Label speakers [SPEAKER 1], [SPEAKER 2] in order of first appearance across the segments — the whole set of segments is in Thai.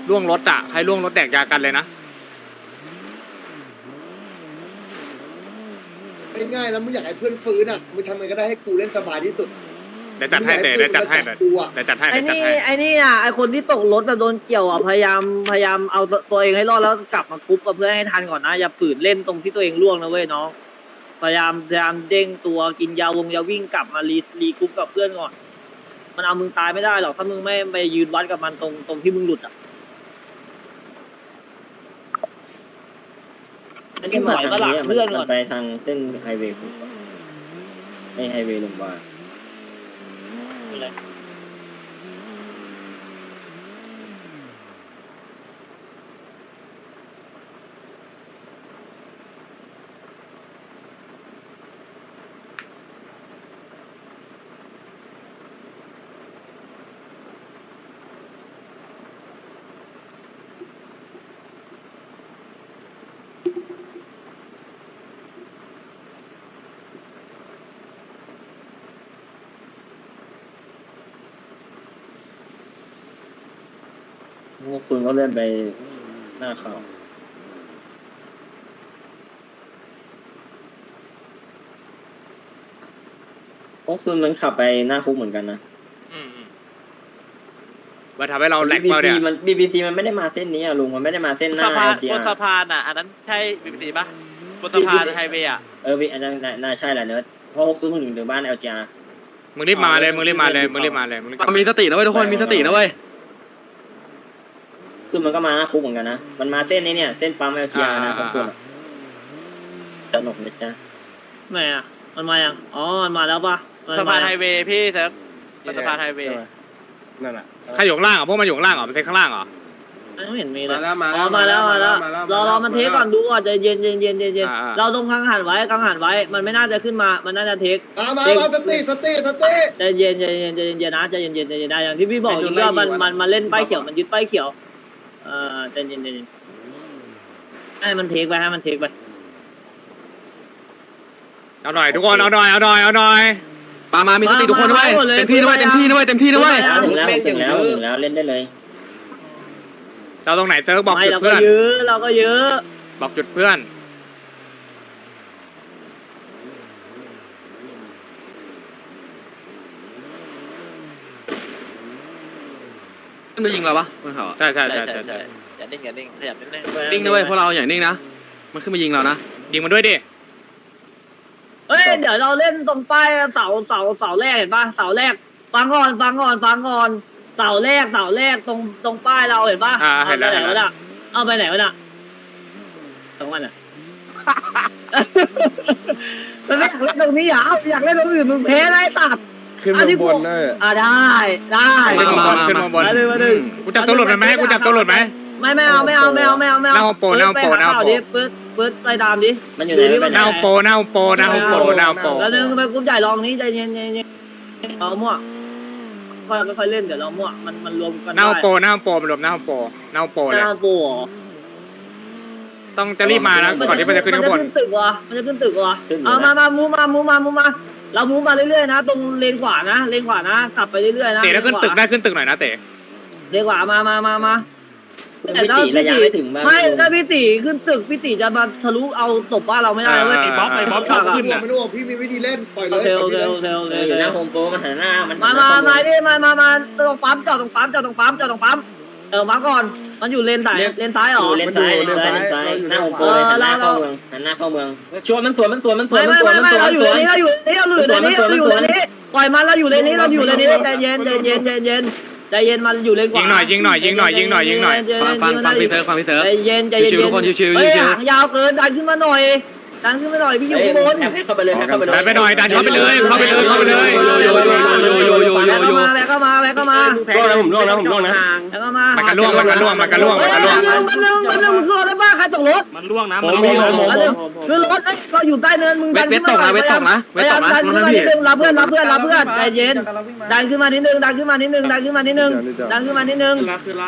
[SPEAKER 1] ล่วงรถอ่ะใครล่วงรถแดกยากันเลยนะ
[SPEAKER 2] ง่ายๆแล้วมึงอยากให้เพื่อนฟื้นอ่ะมึงทำไงก็ได้ให้กูเล่นสบายที่สุด
[SPEAKER 1] เดี๋ยวจัดให้เดี๋ยวจัดให้เดี๋ยวจัดให้
[SPEAKER 3] ไอ้
[SPEAKER 1] เดี๋ยวจัด
[SPEAKER 3] นี่
[SPEAKER 1] ให้
[SPEAKER 3] ไอ้นี่อ่ะไอ้คนที่ตกรถแบบโดนเกี่ยวอ่ะพยายามเอาตัวเองให้รอดแล้วกลับมากรุ๊ปกับเพื่อนให้ทันก่อนนะอย่าฝืนเล่นตรงที่ตัวเองล่วงนะเว้ยน้องพยายามเด้งตัวกินยาวิ่งกลับมารีกรุ๊ปกับเพื่อนก่อนมันเอามึงตายไม่ได้หรอกถ้ามึงไม่ไปยืนวัดกับมันตรงที่มึงหลุดอ่ะอันนี้หมายว่าหลักเพื่อนก่อน
[SPEAKER 4] ไปทางเส้นไฮเวย์ไอไฮเวย์ลงมาพวกซุนก็เลื่อนไปหน้าเขาพวกซุนมันขับไปหน้าคุกเหมือนกันนะ
[SPEAKER 1] มาทำให้เราแหลกมาเนี่ย
[SPEAKER 4] BBC มันไม่ได้มาเส้นนี้อะลุงมันไม่ได้มาเส้นหน้า
[SPEAKER 5] บนสะพานอ่ะอันนั้นใช่BBCปะบนสะพานไฮเวย์อ่ะ
[SPEAKER 4] อันนั้นน่าใช่แหละเนิร์ดเพราะพวกซุนถึงบ้าน LGR
[SPEAKER 1] มึงรีบมาเลย
[SPEAKER 6] มีสตินะเว้ยทุกคนมีสตินะเว้ย
[SPEAKER 4] ซุนมันก็มาหน้าคุกเหมือนกันนะมันมาเส้นนี้เนี่ยเส้นปั๊ม LGR นะพวกซุนสนุกนะจ๊ะ
[SPEAKER 3] ไหนอ่ะมันมายังอ๋อมันมาแล้วปะ
[SPEAKER 5] สะพานไฮเวย์พี่เซิร์ฟบนสะพานไฮเวย์
[SPEAKER 2] นั่นแหละ
[SPEAKER 1] ใครอยู่ข้างล่างอ่ะพวกมันอยู่ข้างล่างเหรอมันเซ็ตข้างล่างเหรอ
[SPEAKER 3] ไม่เห็นมีเลยมาแล้วรอมันเทคก่อนดูก่อนใจเย็นเราต้องกังหันไว้มันไม่น่าจะขึ้นมามันน่าจะเทค
[SPEAKER 2] มาสติ
[SPEAKER 3] ใจเย็นนะใจเย็นได้อย่างที่พี่บอกอยู่ว่ามันเล่นป้ายเขียวมันยึดป้ายเขียวใจเย็นให้มันเทคไป
[SPEAKER 1] เอาหน่อยทุกคนเอาหน่อย
[SPEAKER 6] มามีสติทุกคนด้วยเต็มที่ด้วย
[SPEAKER 4] ถึงแล้วเล่นได้เลย
[SPEAKER 1] เราตรงไหนเซิร์ฟบอกจุดเพื่อน
[SPEAKER 3] เราก็เยอะ
[SPEAKER 1] บอกจุดเพื่อน
[SPEAKER 6] มันยิงเราปะบนเขา
[SPEAKER 1] ใช่
[SPEAKER 5] อย่านิ่งขยับ
[SPEAKER 6] นิ่งด้วยพวกเราอย่างนิ่งนะมันขึ้นมายิงเรานะ
[SPEAKER 1] ยิงมันด้วยดิ
[SPEAKER 3] เฮ้ยเดี๋ยวเราเล่นตรงป้ายเสาแรกเห็นป่ะเสาแรกฟังก่อนเสาแรกตรงป้ายเราเห็นป่ะ
[SPEAKER 1] เห็นแล้ว
[SPEAKER 3] เอาไปไหนวะน่ะตรงมันอ่ะมันไม่อยากเล่นตรงนี้อยากเล่นตรงอื่นมึงแพ้ได้ตัด
[SPEAKER 2] ขึ้นมาบนได้
[SPEAKER 3] ได้
[SPEAKER 1] ขึ้นมาบนกูจับตัวหลุดไหม
[SPEAKER 3] ไม่เอาหน้าโปดิปื๊ดไปตามดิ
[SPEAKER 4] มันอยู่ไหน
[SPEAKER 1] หน้าโป
[SPEAKER 3] แล้วนึงไปกุ้มใหญ่ลองนี้ใจเย็นเรามั่วค่อยเล่นเดี๋ยวเรามั่วมันรวมกัน
[SPEAKER 1] หน้าโปมันรวมหน้าโปเลยต้องจะรีบมานะก่อนที่มันจะขึ้นข้างบน
[SPEAKER 3] มันจะขึ้นตึกวะเอามามูมาเรามูมาเรื่อยๆนะตรงเลนขวานะขับไปเรื่อยๆนะ
[SPEAKER 1] เตะแล้วขึ้นตึกได้ขึ้นตึกหน่อยนะเตะ
[SPEAKER 3] เลนขวามา
[SPEAKER 4] พี่ตีระยะไม่ถึงบ้าง
[SPEAKER 3] ไม่ถ้าพี่ตีขึ้นตึกพี่ตีจะมาทะลุเอาศพบ้านเราไม่ได้เว้ย
[SPEAKER 5] ไอ้บ๊อบชอบขึ้นอ่ะ
[SPEAKER 2] ไม่รู้พี่มีวิธีเล่นปล่อยเลย
[SPEAKER 3] โอเค
[SPEAKER 4] อยู่หน้าโฮมโปรมันหันหน้ามัน
[SPEAKER 3] มาดิมาตรงปั๊มจอดตรงปั๊มมาก่อนมันอยู่เลนซ้ายหรอ
[SPEAKER 4] เลนซ้ายหน้าโฮมโปรหันหน้าเข้าเมืองชวนมันสวนไม่
[SPEAKER 3] เราอยู่เลนนี้ปล่อยมันเราอยู่เลนนี้ใจเย็นมันอยู่เลนขวา
[SPEAKER 1] ยิงหน่อย
[SPEAKER 6] ฟังพี่เซิร์ฟ
[SPEAKER 3] ใจเย็น
[SPEAKER 6] ชิวทุกคนชิว
[SPEAKER 3] หางยาวเกินดันขึ้นมาหน่อยพี่อยู่ข้างบน
[SPEAKER 4] เข้าไปเลย
[SPEAKER 1] ดันไปหน่อยดันเข้าไปเลย
[SPEAKER 3] แบกเข้ามา
[SPEAKER 6] ล่วงนะผมล่วงนะ
[SPEAKER 3] แล้วก็มา
[SPEAKER 1] มันกันล่วงมัน
[SPEAKER 3] คือรถบ้าใครตกรถ
[SPEAKER 5] มันล่วงนะ
[SPEAKER 3] คือรถก็อยู่ใต้เนินมึงดันขึ้นมา
[SPEAKER 6] เวทตกนะ
[SPEAKER 3] รับเพื่อนใจเย็นดันขึ้นมานิดนึงดันขึ้นมานิดนึงดันขึ้นมานิดนึงดันขึ้นมาเได้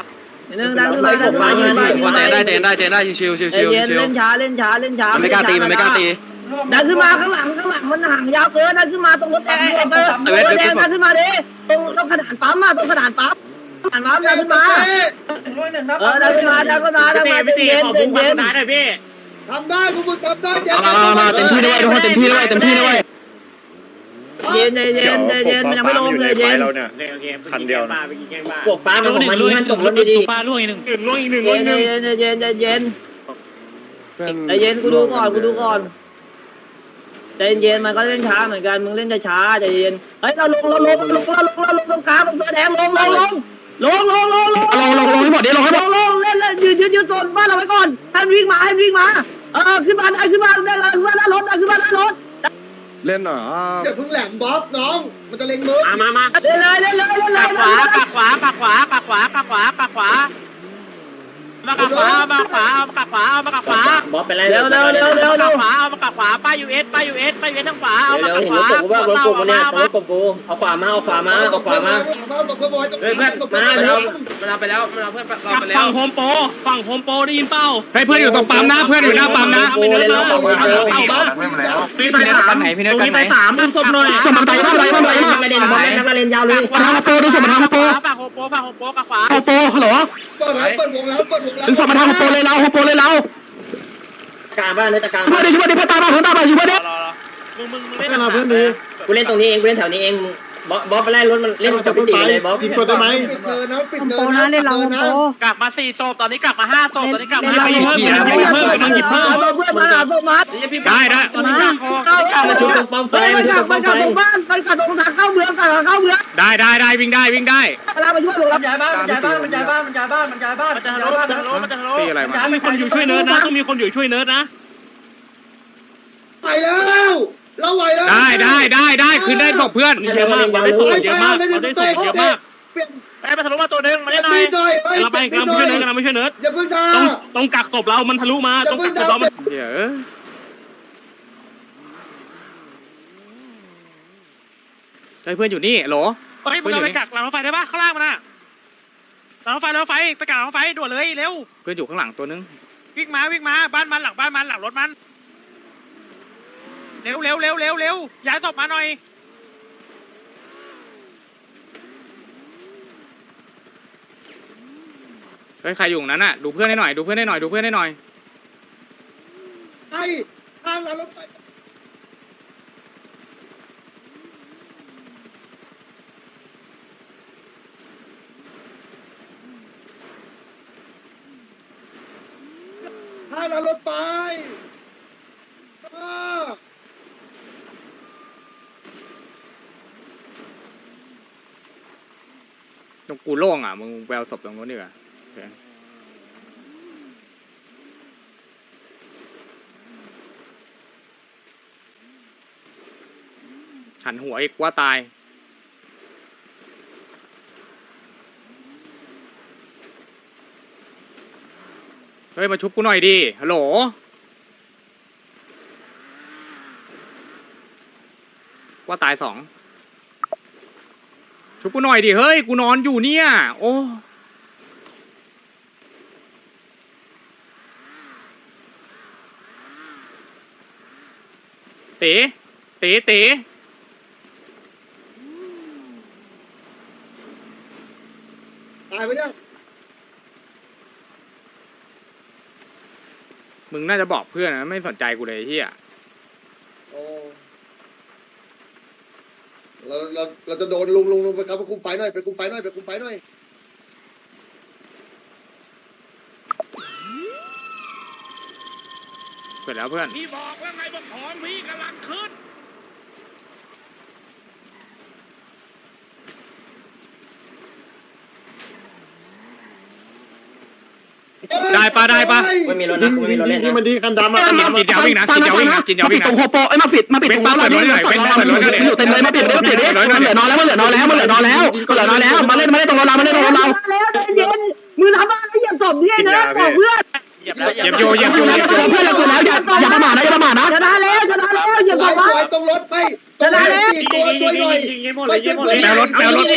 [SPEAKER 6] ชิว
[SPEAKER 3] เล่นช้า
[SPEAKER 6] มันไม่กล้าตี
[SPEAKER 3] ดันขึ้นมาข้างหลังมันห่างยาวเกินดันขึ้นมาตรงรถแดงดันขึ้นมาดิตรงขนาดปั๊มผ่านมาดันขึ้นมาดันขึ้นมาเย็นพี่
[SPEAKER 2] ทำได้พวกมึงทำได้
[SPEAKER 6] มาเต็มที่ด้วยทุกคนเต็มที่ด้วย
[SPEAKER 3] เย็นมันยังไม่ลงเลยเย็น
[SPEAKER 7] คันเดียว
[SPEAKER 4] พวกฟ้ามันของมันมันจบรถดี
[SPEAKER 5] ป้าล่วงอีกหนึ่ง
[SPEAKER 3] เย็นกูดูก่อนใจเย็นมันก็เล่นช้าเหมือนกันมึงเล่นช้าใจเย็นเฮ้ยเราลงตรงกลางตรงเสื้อแดงลงให้หมดดิลงให้หมดเล่นยืนโซนบ้านเราไว้ก่อนให้วิ่งมาขึ้นมาขึ้นมาหน้ารถ
[SPEAKER 6] เล่นหน่อย
[SPEAKER 2] อย่าเพิ่งแหลมบ๊อบน้องมันจะเล็งมือ
[SPEAKER 5] มา
[SPEAKER 3] เล่นเลย
[SPEAKER 5] ปากขวามาปากขวาเอามาปากขวา
[SPEAKER 4] ๆบอสเป็นไร
[SPEAKER 3] เร็ว
[SPEAKER 5] ปากขวาเอามาปากขวาป้ายูเอสทางขวาเอามา
[SPEAKER 4] เร็ว
[SPEAKER 5] ปาก
[SPEAKER 4] เห็น
[SPEAKER 5] ข
[SPEAKER 4] ร
[SPEAKER 5] วา
[SPEAKER 4] ถกบกูว่ารถกบกูเนี่ยรถกบกูเอาขวามาเอาขวามา
[SPEAKER 2] ตบเพื่อนบอยตบเพื่อน
[SPEAKER 6] มันเอาไปแล้วมันเอาเพื่อนเราไปแล้ว
[SPEAKER 5] ฝั่งโฮมโปรได้ยินเป้า
[SPEAKER 1] ให้เพื่อนอยู่ตรงปั๊มนะเพื่อนอยู่หน้าปั๊มนะ
[SPEAKER 4] กูเลยแล้วบอกว่า
[SPEAKER 6] พี่ไปสามไหนพี่เนิร์ดกันไหน
[SPEAKER 5] ดึงศพหน่อย
[SPEAKER 6] มันไปมาก
[SPEAKER 4] ไม่เล่นบอสนักเล่นยาวเลย
[SPEAKER 6] มาทางโปดูสมมาทางโป
[SPEAKER 5] ฝั่งโฮมโปรปากขวา
[SPEAKER 6] โปฮัลโหล
[SPEAKER 2] เปิดวงแล้ว
[SPEAKER 6] ดึงสมมาทางโปเลยเรา
[SPEAKER 4] กลางบ้านเลยตะกลาง
[SPEAKER 6] ช่วยดิช่วยดิเพื่อนตามมาช่วยดิ
[SPEAKER 5] มึงเล่นเพื่อนดี
[SPEAKER 4] กูเล่นตรงนี้เองกูเล่นแถวนี้เองบอสไปไล่รถมันเล่นกับพี่ตีเลยบอส
[SPEAKER 2] ปิดเธอนะปิดเธอนะเล่นเราโป
[SPEAKER 5] กลับมา4ศพตอนนี้กลับมา5ศพตอนนี้กลับมา
[SPEAKER 3] เพื่อนมา
[SPEAKER 1] ได้
[SPEAKER 5] ตอนนี้กลับคอ
[SPEAKER 4] มาชุบตรงป้อมไฟมาชุบตรงป้อมไฟ
[SPEAKER 3] มันกัดตรงทางเข้าเมือง
[SPEAKER 1] ได้วิ่งได้
[SPEAKER 3] เวลามาช่วยรับ
[SPEAKER 5] มันจะทะลุ
[SPEAKER 1] ตีอะไรมา
[SPEAKER 5] มีคนอยู่ช่วยเนิร์ดนะต้องมีคนอยู่ช่วยเนิร์ดนะ
[SPEAKER 2] ไปแล้วเราไหวแล้ว
[SPEAKER 1] ได้คืนได้ศพเพื่อน
[SPEAKER 5] เยอะมากเราได้ส่งเยอะมากเราได้ส่งเยอะมากไปทะลุมาตัวนึงมาได้หน่อยเราไปเราไม่ช่วยเนิร์ดเราไม่ช่วยเนิร์ด
[SPEAKER 2] อย่าเพิ่งด่า
[SPEAKER 5] ต้องกักศพเรามันทะลุมาต้องกักศพเรามัน
[SPEAKER 1] เดี๋ยวเพื่อนอยู่นี่โหล
[SPEAKER 5] เฮ้ยมึงไปกักหลังรถไฟได้ป่ะข้างล่างมันน่ะหลังรถไฟไปกักหลังรถไฟด่วนเลยเร็ว
[SPEAKER 1] เพื่อนอยู่ข้างหลังตัวนึง
[SPEAKER 5] วิ่งมาบ้านมันหลังรถมันเร็วย้ายศพมาหน่อย
[SPEAKER 1] เฮ้ยใครอยู่นั้นน่ะดูเพื่อนให้หน่อย
[SPEAKER 2] ไอ้ทางรถไฟทางรถไฟ
[SPEAKER 1] ตรงกูโล่งอ่ะมึงแววศพตรงนู้นดีกว่าหันหัวอีกว่าตายเฮ้ยมาชุบกูหน่อยดิฮัลโหลว่าตาย2ชุบกูหน่อยดิเฮ้ยกูนอนอยู่เนี่ยโอ้เต๋
[SPEAKER 2] ตายไปเนี่ย
[SPEAKER 1] มึงน่าจะบอกเพื่อนนะไม่สนใจกูเลยเฮีย
[SPEAKER 2] โอ้เราจะโดนลุงไปครับไปคุมไฟหน่อย
[SPEAKER 1] เสร็จแล้วเพื่อน
[SPEAKER 5] พี่บอกว่าไงบอกของพี่กำลังขึ้น
[SPEAKER 1] ได้ปะ
[SPEAKER 4] ไม่มีรถนะไม่มีรถเล่นนะ
[SPEAKER 2] มันดีคันดำอ่ะ
[SPEAKER 1] จินยาววิ่งนะจินยาววิ่งนะ
[SPEAKER 6] ปิดตรงโฮโปไอ้มาปิดตรงร้านเราอยู่เต็มเลยมาปิดมันเหลือน้อยแล้วมาเล่นตรงเรามาเล่นตรงเรา
[SPEAKER 3] แล้วใจเย็นมือทำอะไรอย่าสมที่นะบอกเพื่อน
[SPEAKER 5] เหยียบแล้ว
[SPEAKER 1] เหยียบโยเพื่อน
[SPEAKER 6] อย่าประมาทนะ
[SPEAKER 3] ชนะแล้วอย่าบอกว่า
[SPEAKER 2] ตรงรถไป
[SPEAKER 3] ชนะแล้ว
[SPEAKER 2] ตัวช่วยหน่อย
[SPEAKER 5] ยิงหมดเลยยิงหมดเลย
[SPEAKER 1] แปลรถ
[SPEAKER 3] ขนัว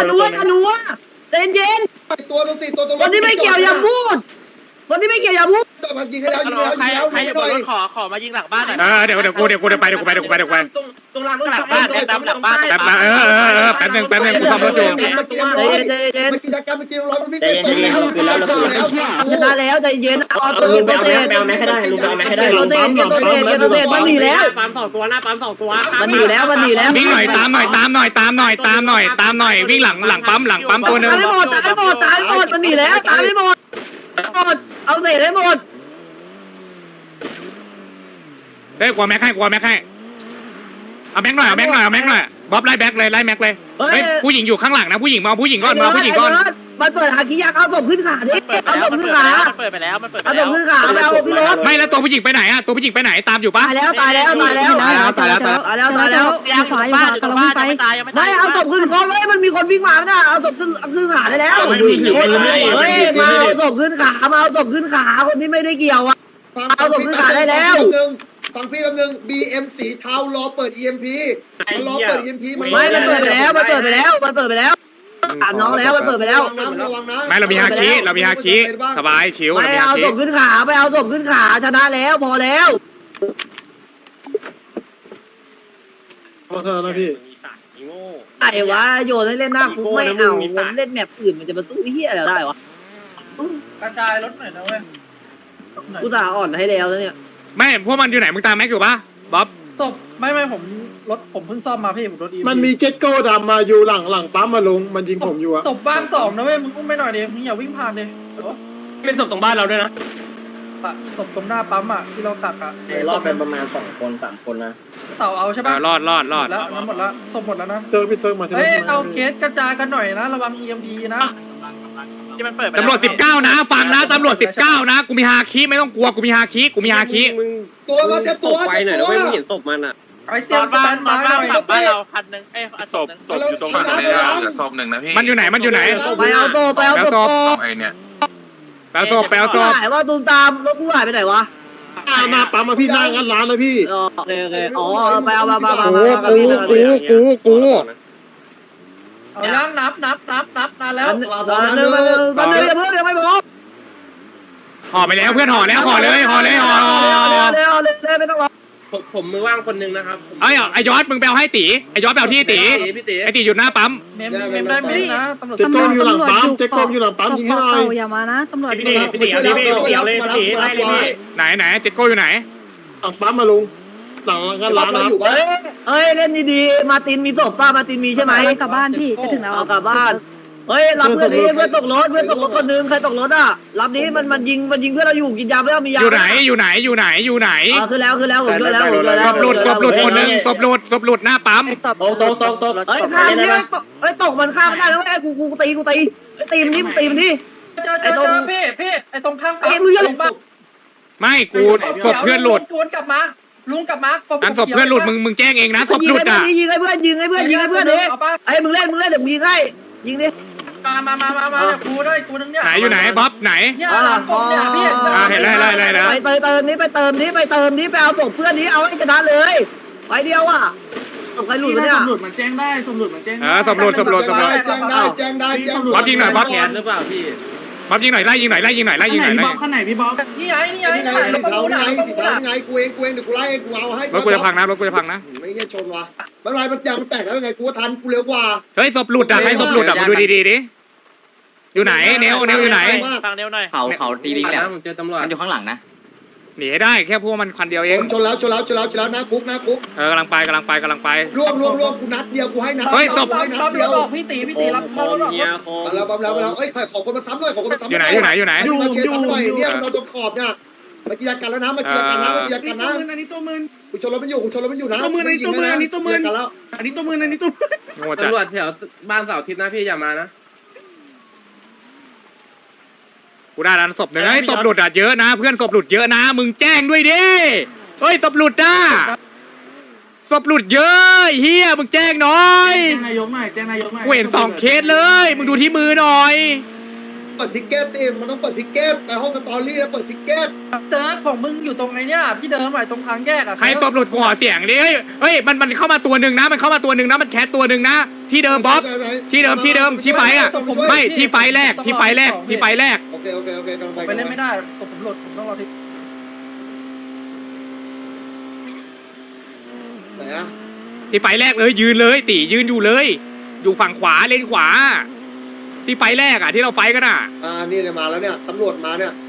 [SPEAKER 3] ใจเย็น
[SPEAKER 2] ตัวตรงสี่ตัวตรง
[SPEAKER 3] คนที่ไม่เกี่ยวอย่าพูด
[SPEAKER 2] ต่อมายิงให้แล้วยิงแล้ว
[SPEAKER 5] ใคร
[SPEAKER 2] ยิงแล้ว
[SPEAKER 5] ใครอยู่บนรถขอมายิงหลังบ้านหน่อย
[SPEAKER 1] เดี๋ยวกูไป
[SPEAKER 5] ตรงหลังบ้านเนี่ยตามหลังบ้าน
[SPEAKER 1] แป๊บมาแป๊บนึงกูซ่อมรถอยู่
[SPEAKER 2] มากินดักกันมากินร้อนมันวิ่ง
[SPEAKER 4] ใจเย็นๆคืนแล้วเราคืนแล้ว
[SPEAKER 3] ชนะแล้วใจเย็นเอาตัว
[SPEAKER 4] ลุงไป
[SPEAKER 3] ตัว
[SPEAKER 4] เอา
[SPEAKER 3] เตะ
[SPEAKER 4] แม็กให้ได้ลุงไปเอาแม็กให้ได้
[SPEAKER 3] ตัวเตะตัวเตะตัวเตะมันหนีแล้ว
[SPEAKER 5] ปั๊ม2ตัวหน้าปั๊ม2ตัว
[SPEAKER 3] มันหนีแล้ว
[SPEAKER 1] วิ่งหน่อยตามหน่อยวิ่งหลังปั๊มตัวนึง
[SPEAKER 3] ตายหมดมันหนีแล้วตายไม่หมดเอาเศษให้หมด
[SPEAKER 1] เฮ้ยกลัวแม็กให้เอาแม็กหน่อยบ๊อบไล่แม็กเลยเฮ้ยผู้หญิงอยู่ข้างหลังนะผู้หญิงมาผู้หญิงก่อน
[SPEAKER 3] มันเปิดหาขี้ยากเอาศพขึ้นขาดิเอาศพขึ้นขา
[SPEAKER 5] เปิดไปแล้วมันเปิดไป
[SPEAKER 3] เอาศ
[SPEAKER 5] แล้ว
[SPEAKER 3] พขึ้นขาไปเอาพี่รถ
[SPEAKER 1] ไม่แล้วตัวผู้หญิงไปไหนอะตัวผู้หญิงไปไหนตามอยู่ปะ
[SPEAKER 3] ตายแล้ว
[SPEAKER 5] ยังบ้านอยู่ตรงบ้านยังไม่ตายยังไม่ตา
[SPEAKER 3] ไม่
[SPEAKER 5] ย
[SPEAKER 3] เอาศพขึ้นขาเว้ยมันมีคนวิ่งมาไม่ได้เอาศพขึ้นขาได้แล้วเฮ้ยมาเอาศพขึ้นขาคนที่ไม่ได้เกี่ยวอ่ะ
[SPEAKER 2] ฟังพี่แป๊บนึง BM สีเทารอเปิด EMP มันรอเปิด EMP มัน
[SPEAKER 3] ไม่มันเปิดไปแล้วถามน้องแล้วมันเปิดไปแล้ว
[SPEAKER 2] ระวังนะ
[SPEAKER 1] ไม่เรามีฮาคิสบายชิว
[SPEAKER 3] ไปเอาศพขึ้นขาชนะแล้วพอแล้ว
[SPEAKER 7] ขอโทษนะพี่
[SPEAKER 3] ไอ้วะโยนให้เล่นหน้าคุกไม่เอาเล่นแมปอื่นมันจะมาสู้เฮียอะไรได้วะ
[SPEAKER 5] กระจายรถหน่อยนะเว้ย
[SPEAKER 3] กูตาอ่อนให้แล้วเนี่ย
[SPEAKER 1] ไม่พวกมันอยู่ไหนมึงตามแม็กอยู่ปะบ๊อบ
[SPEAKER 5] ศพไม่ผมรถผมเพิ่งซ่อมมาพี่ผมรถอี
[SPEAKER 7] มันมีเจ็ตโก้ดำมาอยู่หลังปั๊มมาลุงมันยิงผมอยู่อะ
[SPEAKER 5] ศพบ้าน2นะเว้ยมึงอุ้มไม่หน่อยดิมึงอย่าวิ่งผ่านดิ
[SPEAKER 4] เป็นศพตรงบ้านเราด้วยนะ
[SPEAKER 5] ศพตรงหน้าปั๊มอ่ะที่เราตักอ่ะ
[SPEAKER 4] รอดไปประมาณ2 คน3 คนนะ
[SPEAKER 5] เต่าเอาใช่ป่ะ
[SPEAKER 1] รอด
[SPEAKER 5] แล้วน้ำหมดแล้วศพหมดแล้วนะ
[SPEAKER 7] เจอพี่เซิร์ฟมาที่
[SPEAKER 5] เฮ้ย
[SPEAKER 7] นี่
[SPEAKER 5] เอาเคสกระจายกันหน่อยนะระวัง EMP นะที่มันเปิด
[SPEAKER 1] ตำรวจ19นะฟังนะตำรวจ19นะกูมีฮาคิไม่ต้องกลัวกูมีฮาคิ
[SPEAKER 2] ตัวมาเจ็บตัวไปหน่อยนะเว้ยเห็นศพมันอ่ะ
[SPEAKER 5] ไอ้เตรียมสแตนบายหน่อยบ้านเราคันนึงศพ
[SPEAKER 2] อยู่ตรงนั้นเลยเหลือศพ
[SPEAKER 1] มันอยู่ไหน
[SPEAKER 3] ไปเอาศพ
[SPEAKER 1] แปลศพ
[SPEAKER 3] หายว่าตูมตามรถกูหายไปไหนวะ
[SPEAKER 7] มาปั๊มมาพี่หน้างั้นร้านเลยพี่
[SPEAKER 3] โอเคอ๋อไปเอามา
[SPEAKER 1] กู
[SPEAKER 5] เอาย่างนับนานแล้ว
[SPEAKER 3] วันนึงยังไม่พอ
[SPEAKER 1] ห่อไปแล้วเพื่อนห่อเลย
[SPEAKER 3] ไม่ต้องรอ
[SPEAKER 8] ผมมือว่างคนนึงนะครับ
[SPEAKER 1] ไอ้ยอดมึงไปเอาให้ตีไอ้ยอดไปเอาที่ตีไอ้ตีอยู่หน้าปั๊ม
[SPEAKER 5] เมมได้ไหมนะตำรวจ
[SPEAKER 7] เจ็ตโก้อยู่หลังปั๊มยิงให้หน่อย
[SPEAKER 9] อย่ามานะตำรวจ
[SPEAKER 1] ไหนเจ็ดโก้อยู่ไหน
[SPEAKER 7] หลังปั๊มมาลุงหลังงั้นร้านนะ
[SPEAKER 3] เฮ้ยเล่นดีๆมาตินมีศพป่ะมาตินมีใช่ไหม
[SPEAKER 9] กลับบ้านพี่จะถึงแล้ว
[SPEAKER 3] เอากลับบ้านเฮ้ยรับเพื่อนนี้เพื่อนตกรถคนนึงใครตกรถอ่ะรับนี้มันยิงเพื่อนเราอยู่กินยาไม่ต้องมียา
[SPEAKER 1] อยู่ไหน
[SPEAKER 3] ขึ้นแล้วผมด้วยแล้ว
[SPEAKER 1] ศพหลุดคนนึงศพหลุดหน้าปั๊ม
[SPEAKER 4] ตก
[SPEAKER 3] เฮ้ยข้ามนี่เฮ้ยตกมันข้ามไม่ได้แล้วไอ้กูตีมันนี่
[SPEAKER 5] เจอพี่ไอ้ตรงข้าง
[SPEAKER 3] ไอ้มือลงบ้า
[SPEAKER 1] ไม่กูศพเพื่อนหลุด
[SPEAKER 5] ลุงกลับมา
[SPEAKER 1] อันศพเพื่อนหลุดมึงแจ้งเองนะศพหลุดอ่ะ
[SPEAKER 3] ยิงให้เพื่อนดิไอ้มึงเล่นเดี๋ยวมึงยิงให้ยิงดิ
[SPEAKER 5] มาเนี่ยกูด้วยกูนึงเนี่ย
[SPEAKER 1] ไหนอยู่ไหนบ๊อบไหน
[SPEAKER 5] เนี่ยหลังกบเนี่ยพี่
[SPEAKER 1] เห็นแล้ว
[SPEAKER 3] ไปเติมนี้ไปเอาศพเพื่อนนี้เอาให้ชนะเลยไปเดียวอ่ะศพใครหลุดเนี่ย
[SPEAKER 8] สมหลุดมันแจ้งได้สมหลุดมันแจ้ง
[SPEAKER 1] ศพหลุด
[SPEAKER 2] แจ้งได้
[SPEAKER 1] บ๊อบยิงหน่อยบ๊อบ
[SPEAKER 8] แขนหรือเปล่าพี่
[SPEAKER 1] บ๊อบยิงหน่อยไล่ยิงหน่อย
[SPEAKER 8] พี่บ๊อบข้างไหนพี่บ๊อบ
[SPEAKER 5] นี่ไง
[SPEAKER 2] สีเทาไงกูเองเดี๋ยวกูไล่กูเอาให้
[SPEAKER 1] รถกูจะพังนะ
[SPEAKER 2] ไม่เงี้ยชนวะไม่เป็นไรมันยางมันแตกแล้วยังไงกูทันกูเร็วกว่า
[SPEAKER 1] เฮ้ยศพหลุดอ่ะใครศพหลุดอ่ะมาดูดีดิอยู่ไหนเนวอยู่ไหน
[SPEAKER 5] ฟังเนวหน่อย
[SPEAKER 8] เขาตีลิงแล้วผมเจอตำรวจมันอยู่ข้างหลังนะ
[SPEAKER 1] หนีให้ได้แค่พวกมันคันเดียวเอง
[SPEAKER 2] ชนแล้วนะคุก
[SPEAKER 1] กำลังไป
[SPEAKER 2] ล่วงกูนัดเดียวกูให้นัด
[SPEAKER 1] เฮ้ยศพ
[SPEAKER 5] รับรถออกพี่ตีรับรถออก
[SPEAKER 2] แล้วเอ้ยขอคนมาซ้ำหน่อยอยู่ไหนมาเชียร์ซ้ำหน่อยเนี่ยเราตรงขอบเนี่ยมากีฬากันแล้วนะอันนี้ตัวมือกูชนรถมันอยู่นะตัวมืออันนี้ตัวมืออันนี้ตัวมือ
[SPEAKER 1] ตำ
[SPEAKER 8] รวจแถวบ้านเสาร์อาทิตย์นะพี่อย่ามานะ
[SPEAKER 1] กูได้แล้วศพหนึ่งเฮ้ยศพหลุดอ่ะเยอะนะเพื่อนศพหลุดเยอะนะมึงแจ้งด้วยดิเฮ้ยศพหลุดอ่ะศพหลุดเยอะเฮียมึงแจ้งหน่อย
[SPEAKER 8] แจ้งนายกหน่อย
[SPEAKER 1] กูเห็น2เคสเลยมึงดูที่มือหน่อย
[SPEAKER 2] เปิดทิกเก็ตมันต้องเปิดทิกเก็ตไปห้องสตอรี่แล้วเปิดทิกเก็ต
[SPEAKER 5] เจอของมึงอยู่ตรงไหนเนี่ยพี่เดิมตรงทางแยกอ่ะ
[SPEAKER 1] ใครตบหลุดกูขอเสียงดิเฮ้ยมันเข้ามาตัวหนึ่งนะมันแคสตัวหนึ่งนะที่เดิมบ๊อบที่เดิมที่ไฟอ่ะไม่ที่ไฟแรก
[SPEAKER 2] โอเคกำลังไป
[SPEAKER 8] ไปเล่นไม่ได้ศพผมหลุดผมต้องรอที่
[SPEAKER 2] ไหนอะ
[SPEAKER 1] ที่ไฟแรกเลยยืนเลยตียืนอยู่เลย อยู่ฝั่งขวาเลนขวา ที่ไฟแรกอ่ะที่เราไฟกันอ่ะ
[SPEAKER 2] นี่เนี่ยมาแล้วเนี่ยตำรวจมาเนี่ย